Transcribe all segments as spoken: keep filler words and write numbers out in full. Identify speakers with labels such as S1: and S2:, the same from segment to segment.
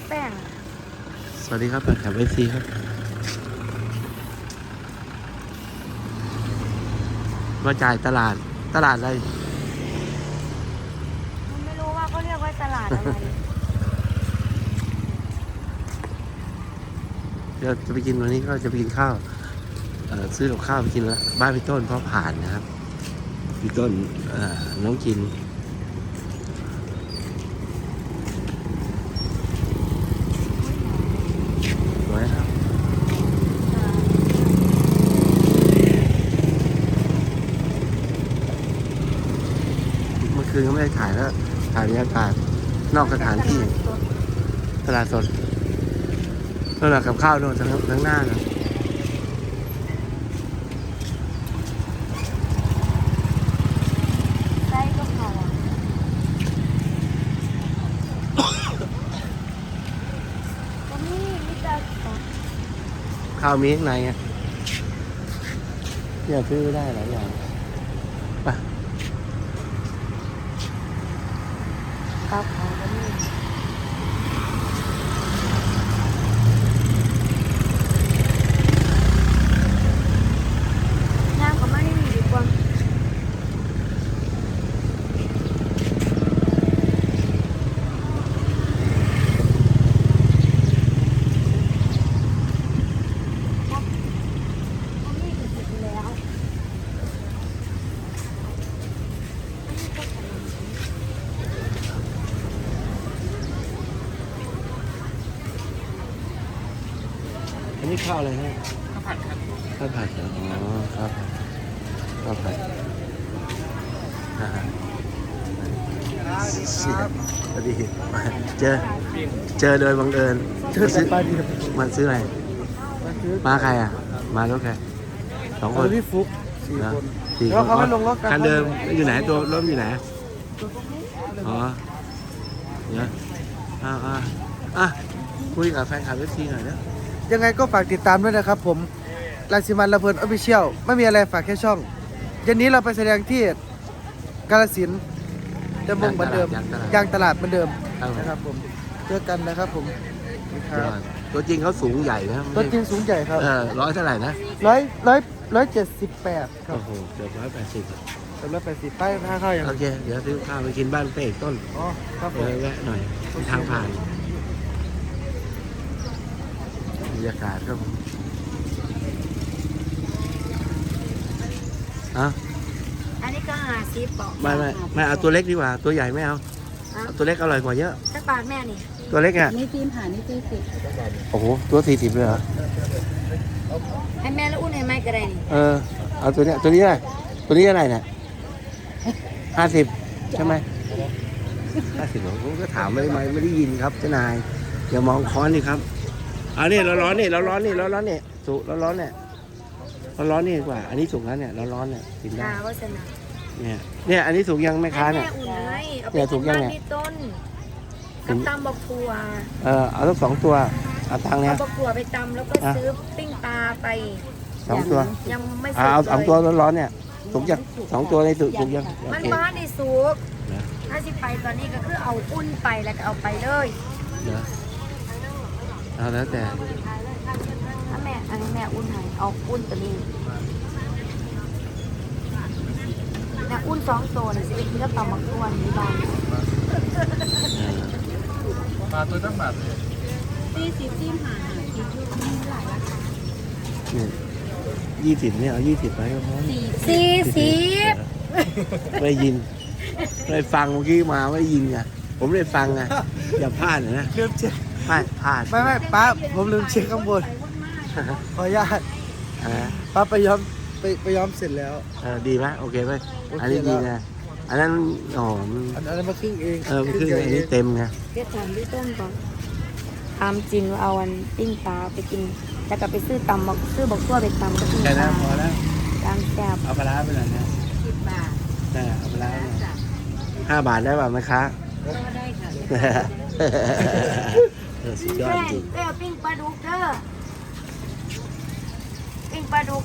S1: แป้ง
S2: สวัสดีครับแฟนคลับเอฟซีครับมาจ่ายตลาดตลาดอะไร
S1: ผมไม่รู้ว่าเขาเรียกว่าตลาดอะไร
S2: เดี๋ยวจะไปกินวันนี้ก็จะไปกินข้าวเอ่อซื้อกับข้าวไปกินแล้วบ้านพี่ต้นเพราะผ่านนะครับพี่ต้นเอ่อน้องกินสวยครับเมื่อคืนก็ไม่ได้ถ่ายแล้วถ่ายบรรยากาศนอกสถานที่ตลาดสดนั่นแหละกับข้าวโน่นทั้งทั้งหน้านะ
S1: ไส้ก็พอก็มีมีแต่
S2: ข้าวมีข้างในไงเนี่ยซื้อได้หลายอย่างไป
S1: ข้าวเผาก็มีย่างก็ไม่ได้มีดีกว่าก็มีก็เสร็จแล้ว
S2: อันนี้ข้าวอะไรฮะ
S3: ข้าวผัดครับ
S2: ข้าวผัดเหรออ๋อข้าวผัดข้าวผัดอ่าสวัสดีมาเจอเจอโดยบังเอิญมาซื้อมาซื้ออะไรมาใครอ่ะมารถใครสองคน
S3: พี่ฟุกสี่
S2: นะ
S3: คน
S2: สี่
S3: แล้ว
S2: คน
S3: เขาไม่ลงรถกัน
S2: คันเดิมอยู่ไหนตัวรถอยู่ไหนอ๋อเนี่ยอ่าอ่าอ่ะคุยกับแฟนคลับเอฟซีหน่อยนะ
S3: ยังไงก็ฝากติดตามด้วยนะครับผมราชิมันระเพลินออฟฟิเชียลไม่มีอะไรฝากแค่ช่องเย็นนี้เราไปแสดงที่กาฬสินธุ์เดิมวงเหมือนเดิมยางตลาดเหมือนเดิมนะครับผมเจอกันนะครับผมครับ
S2: ตัวจริงเขาสูงใหญ่นะ
S3: รถจริงสูงใหญ่ครับ
S2: เออร้อยเท่าไหร่นะ
S3: ร้อยร้อยร้อยเจ็ดสิบแปดครับ
S2: โอ้โหเกือบร้อยแปดสิบ
S3: สำหรับแปดสิบป้ายค่าเข้าอย่าง
S2: โอเค เดี๋ยวซื้อข้าวไปกินบ้านเป้ต้น
S3: อ๋อครับผ
S2: เอ
S3: ม
S2: อแวะหน่อยเป็นทางผ่านบรรยากาศครับผมอ่ะ
S1: อันนี้ก็หาซีปอก
S2: ไม่ไม่ไม่เอาตัวเล็กดีกว่า ตัวใหญ่ไม่เอาเอาตัวเล็กอร่อยกว่าเยอะ
S1: สักบาทแม่นี่
S2: ตัวเล็กอ่ะ
S4: นี่ฟิล์มหานี่เจ๊สิ
S2: โอ้โหตัวสี่สิบเลยเหรอ
S1: ให้แม่แล้วอุ่นให้แม่ก็ได้นี่
S2: เออเอาตัวเนี้ยตัวนี้อะไรตัวนี้อะไรเนี่ยห้าสิบใช่ไหมห้าสิบผมก็ถามไม่ไม่ไม่ได้ยินครับเจ้านายอย่ามองค้อนนี่ครับอันนี้เราร้อนนี่เราร้อนนี่เราร้อนนี่สุกเราร้อนเนี่ยเราร้อนนี่ดีกว่า อันนี้สุกแล้วเนี่ยเราร้อนเนี่ยกินได้
S1: ดาวัฒนา
S2: เนี่ยเนี่ยอันนี้สุกยังแม่ค้า
S1: ให้
S2: เนี่
S1: แม่
S2: ย
S1: อุ่นให้เอาไป
S2: เนี่ยถู
S1: กิ
S2: ก
S1: น
S2: ยัง
S1: บ้าน
S2: เนี่ย
S1: พี่ต้นกับตำบักทัว
S2: เออเอาทั้งสองตัวเอาตังค์เนี่
S1: เอา
S2: ย
S1: บักทัวไปตำแล้วก็
S2: อ่ะ
S1: ซื้อปิ้งปลาไป
S2: สองตัว
S1: ยังไม่สุ
S2: อ่าก เอาสอง
S1: เลย
S2: ตัวร้อนๆเนี่ยสุกยังสองตัวในสุกสุกยังโอ
S1: มัน
S2: เค
S1: บ้านในสุก
S2: นะ
S1: ถ้าสิไปตอนนี้ก็คือเอาอุ่นไปแล้วก็เอาไปเลย
S2: เดี๋ยวเอาแล้วแต่
S1: ถ้าแม่อันนี้แม่อุ่นให้เอาอุ่นตัวนี้แม่อุ่นสองตัวเนี่ยสิไปกินกับตำบักทัวนี่บ้าน
S2: เออ
S3: มาตัวตั้งแบบ
S4: สี่สิบฟิล์มหาหาคิดอยู่มีหลายราคา
S2: เนี่ยยี่สิบเนี่ยเอายี่สิบไปก็พอ
S4: สี่
S1: สี่สิบ
S2: ไม่ยินไม่ฟังเมื่อกี้มาไม่ได้ยินไงผมได้ฟังไงอย่าพลาดนะ
S3: ลืมเช็ค
S2: พลาดพลาด
S3: ไม่ไม่ป้าผมลืมเช็คข้างบนขออนุญาต
S2: อ่า
S3: ป้าไปย้อมไปไปย้อมเสร็จแล้ว
S2: เออดีไหมโอเคไหม
S3: โอเค
S2: อันนี้ดีไงอันนั้นอ๋อมัน
S3: อันนั้นมาครึ่งเอง
S2: เออมันคืออันนี้เต็มไง
S1: เรียกถามพี่ต้นก่อนตามจริงว่าเอาอันปิ้งปลาไปกินแล้วก็ไปซื้อตำบักซื้อบักทั่วไปตำก็กินป
S2: แค่
S1: ลา
S2: นั้นพอแล้ว
S1: ตามแซ่บ
S2: เอาปลาร้าไปหน่อยนะ
S4: สิบบาท
S2: ได้เอาปลาร้าไปหน่อยห้าบาทได้ป่ะแม่ค้า
S4: ก็ได้ค่ะ
S2: เออสุดยอด
S1: แม่
S2: จริง
S1: เอ้ยปิ้งปลาดุกเด้อปิ้งปลาดุก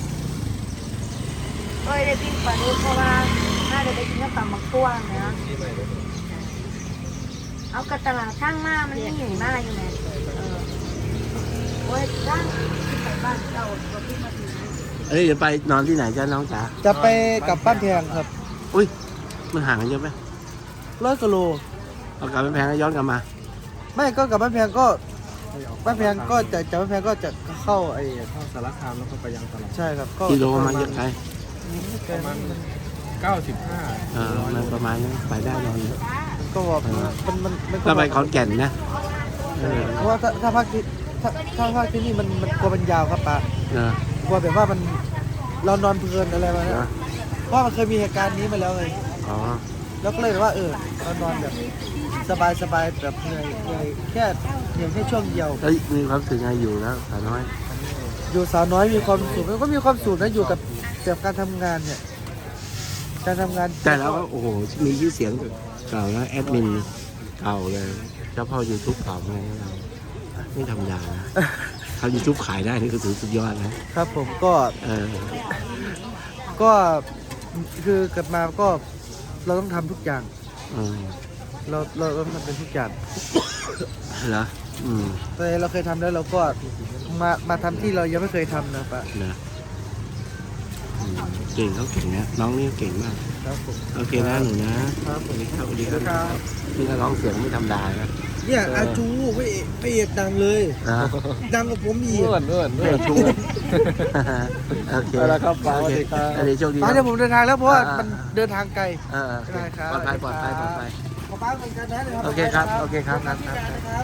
S1: เอ้ยได้ปิ้งปลาดุกเพราะว่าน่าจะไปกินกับตำบักทั่วนะเอากระตลาดข้างมามันไม่ใหญ่มากอยู่ไหมเออโอ้ยร่างที่ไปบ้านเจ้าตัวที่มาถึง
S2: เอ้ยเดี๋ยวไปนอนที่ไหนจ้าน้องจ๋า
S3: จะไปกลับบ้านแพงครับ
S2: อุ้ยมันห่างกันเยอะไหม
S3: ร้อยกิโล
S2: เอากลับไปแพงแล้วย้อนกลับมา
S3: ไม่ก็กลับบ้านแพงก็บ้านแพงก็จะจากบ้านแพงก็จะเข้าไอ้
S5: เข้าสารคามแล้วก็ไปยังตลาด
S3: ใช่ครับก็
S2: กิโลประมาณเยอะไกล
S3: ประมาณ
S5: เก้าสิบห้า
S2: เออมันประมาณนั้นไปได้นอน
S3: ก็บอกมันมันมัน
S2: ก็ไปขอนแก่นนะเออ
S3: เพราะว่าถ้าถ้าภาคที่ถ้าถ้าภาคที่นี่มันมันกลัวมันยาวครับป้า
S2: เออก
S3: ลัวแบบว่ามันเรานอนเพลินอะไรมา
S2: เอ
S3: เนี่ย
S2: อ
S3: เพราะมันเคยมีเหตุการณ์นี้มาแล้วไง
S2: อ๋อ
S3: แล้วก็เลยแบบว่าเออเรานอนแบบสบายสบายแบบเหนื่อยเหนื่อยแค่เหนื่อยแค่ช่วงเดียว
S2: แล้วมีความรู้สึกไงอยู่แล้วสาวน้อย
S3: อยู่สาวน้อยมีความสุขมันก็มีความสุขนะอยู่กับแบบการทำงานเนี่ยการทำงาน
S2: แต่แล้วก็โอ้โหมีชื่อเสียงเก่าแล้วแอดมินเก่าเลยเจ้าพ่อยูทูบเก่าไงเราไม่ธรรมดานะเขายูทูบขายได้นี่ก็ถือสุดยอดนะครับ
S3: ผมก็
S2: เออ
S3: ก็คือเกิดมาก็เราต้องทำทุกอย่าง
S2: เออ
S3: เราเราเราต้องทำเป็นทุกอย่าง
S2: เหรออืม
S3: แต่เราเคยทำแล้วเราก็มามาทำที่เรายังไม่เคยทำนะปะ
S2: เหรออืมเก่งเขาเก่งนะน้องนี่เก่งมาก
S3: ครับผม
S2: โอเคนะหนูนะครับ สวัสดีครับสวัสดีครับนี่ก็ร้องเสียงไม่ธรรมดานะ
S3: เนี่ยอาจูพระเอกพระเอกดังเลย
S2: นะ
S3: ดังกว่าผมอีก
S5: เลื่อนเลื่อน
S2: เอ
S5: เลื่อ
S2: อน ชูโอเค
S5: เอาละครับป๋า
S2: โอเค
S5: สวัสดีครับ
S2: อันนี้โชคดี
S3: ป้าเดี๋ยวผมเดินทางแล้วเพราะว่า
S2: อ่ามั
S3: มันเดินทางไกล
S2: เออ
S3: ได้ครับ
S2: ปลอดภัยปลอดภัยปลอดภัย
S3: ขอป้าเหมือนกันนะดี๋ยว
S2: โอเคครับโอเคครับครับครับ
S3: นะครับ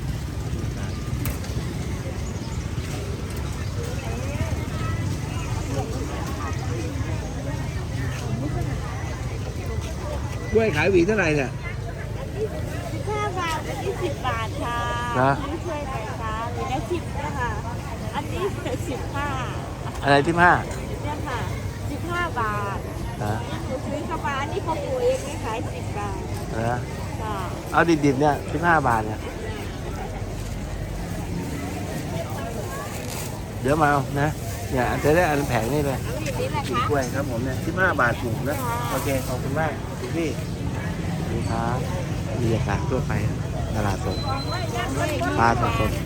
S2: กล้วยขายหวีเท่าไหร่เนี่ย
S4: ห้าบาทอันนี้สิบบาทค่ะ
S2: นะ
S4: นี่ช่วยหน่อยค่ะหรือได้สิบนะคะอันนี้สิบห้า
S2: อะไรที่ห้า
S4: เนี่ยค่ะสิบห้าบาท
S2: นะ
S4: หนูซื้อเข้ามาอันนี้เขาปลูกเองไม่ขายสิบบาท
S2: นะ
S4: ค่ะ
S2: เอาดิบๆเนี่ยสิบห้าบาทเนี่ยเดี๋ยวมาเอานะเนี่ยจะได้อันแผงนี่เลย
S4: เอาอย่างนี้แหละ
S2: ปลูก
S4: ค่ะ
S2: กล้วยครับผมเนี่ยสิบห้าบาทปลูกนะโอเคขอบคุณมากคุณพี่สวัสดีครับบรรยากาศทั่วไปตลาดสดปลาสดสด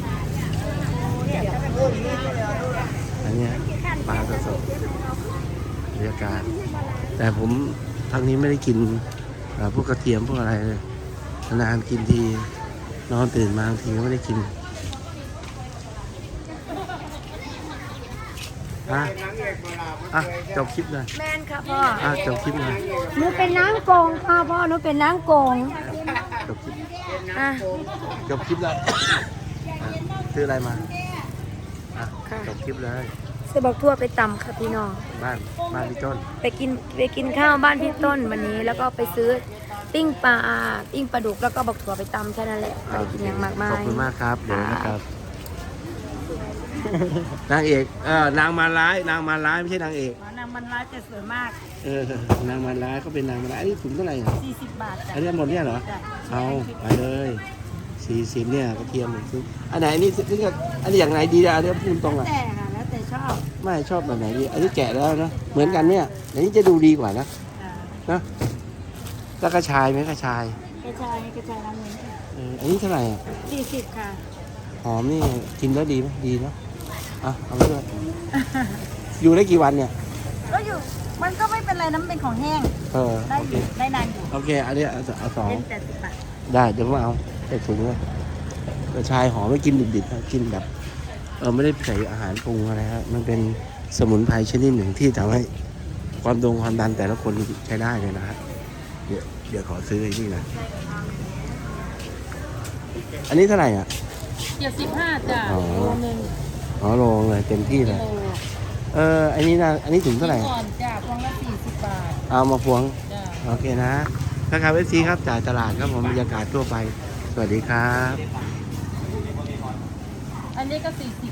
S2: อันเนี้ยปลาสดสดบรรยากาศ แต่ผมทางนี้ไม่ได้กินเอ่อพวกกระเทียมพวกอะไรเลยนานๆกินทีนอนตื่นมาบางทีก็ไม่ได้กินอ่ะอ่ะจบคลิปเลย
S1: แมนค่ะพ่อ
S2: อ่ะจบคลิปเลย
S1: หนูเป็นนางโกงค่ะพ่อหนูเป็นนางโกง
S2: จบคลิป
S1: อ่ะ
S2: จบคลิปเลยอ่ะซื้ออะไรมาอ่ะ
S1: ค่ะ
S2: จบคลิปเลย
S1: จะบอกทั่วไปตำค่ะพี่น้อง
S2: บ้านบ้านพี่ต้น
S1: ไปกินไปกินข้าวบ้านพี่ต้นวันนี้ แล้วก็ไปซื้อปิ้งปลาปิ้งปลาดุกแล้วก็บอกถั่วไปตำแค่นั้นแหละไม่ได้กินอย่างมากมา
S2: ขอย บคุณมากครับเดี๋ยวนะครับ นางเอกเออนางมาร้ายนางมาร้ายไม่ใช่นางเอก
S4: นางมันร้ายแต่สวยมาก
S2: เออนางมาร้ายเขาเป็นนางมาร้ายอันนี้ถุงเท่าไหร่อ่ะ
S4: สี่สิบบาทจ้ะ
S2: อันนี้หมดเนี่ยเหรอ
S4: จ้ะ
S2: เอาไปเลยสี่สิบเนี่ยกระเทียมหนึ่งซุปอันไหนอันนี้นี่ก็อันนี้อย่างไหนดีอ่ะอันนี้พูดตรงอ่ะ
S4: แต่ค่ะแล้วแต่ชอบ
S2: ไม่ชอบแบบไหนดีอันนี้แกะแล้วนะเหมือนกันเนี่ยอันนี้จะดูดีกว่านะ
S4: จ้ะ
S2: นะแล้วกระชายไหมกระชาย
S4: กระชายกระชายน้ำเงิน
S2: เอออันนี้เท่าไหร่อ่ะ
S4: สี่สิบค่ะ
S2: หอมนี่กินแล้วดีไหมดีเนาะอ่ะเอาไปด้วยอยู่ได้กี่วันเนี่ย
S4: ก็อยู่มันก็ไม่เป็นไรน้ำเป็นของแห้ง
S2: เออ
S4: ได้
S2: โอ
S4: อ
S2: เค
S4: ยู่ได้นานอยู่
S2: โอเคอันนี้เอาเอาสอง
S4: เป็นแต่สิบบาท
S2: ได้เดี๋ยวผมเอาใส่ถุงเลยกระชายหอมไม่กินดิบๆนะกินแบบเออไม่ได้ใส่อาหารปรุงอะไรฮะมันเป็นสมุนไพรชนิดหนึ่งที่ทำให้ความดงความดันแต่ละคนใช้ได้เลยนะฮะเดี๋ยวเดี๋ยวขอซื้อไอ้นี่นะอันนี้เท่าไหร่อ่ะ
S4: เจ็ดสิบห้าจ้ะ
S2: อ๋อ
S4: โลนึง
S2: อ๋อโลเลยเต็มที่เลย
S4: โล
S2: เอออันนี้นะอันนี้ถุงเท่าไหร่
S4: ก่อนจ้ะพวงละสี่สิบบาท
S2: เอามาพวง
S4: จ้ะ
S2: โอเคนะถ้าใครเอฟซีครับจ่ายตลาดครับผมบรรยากาศทั่วไปสวัสดีครับ
S4: อันนี้ก็สี่สิบ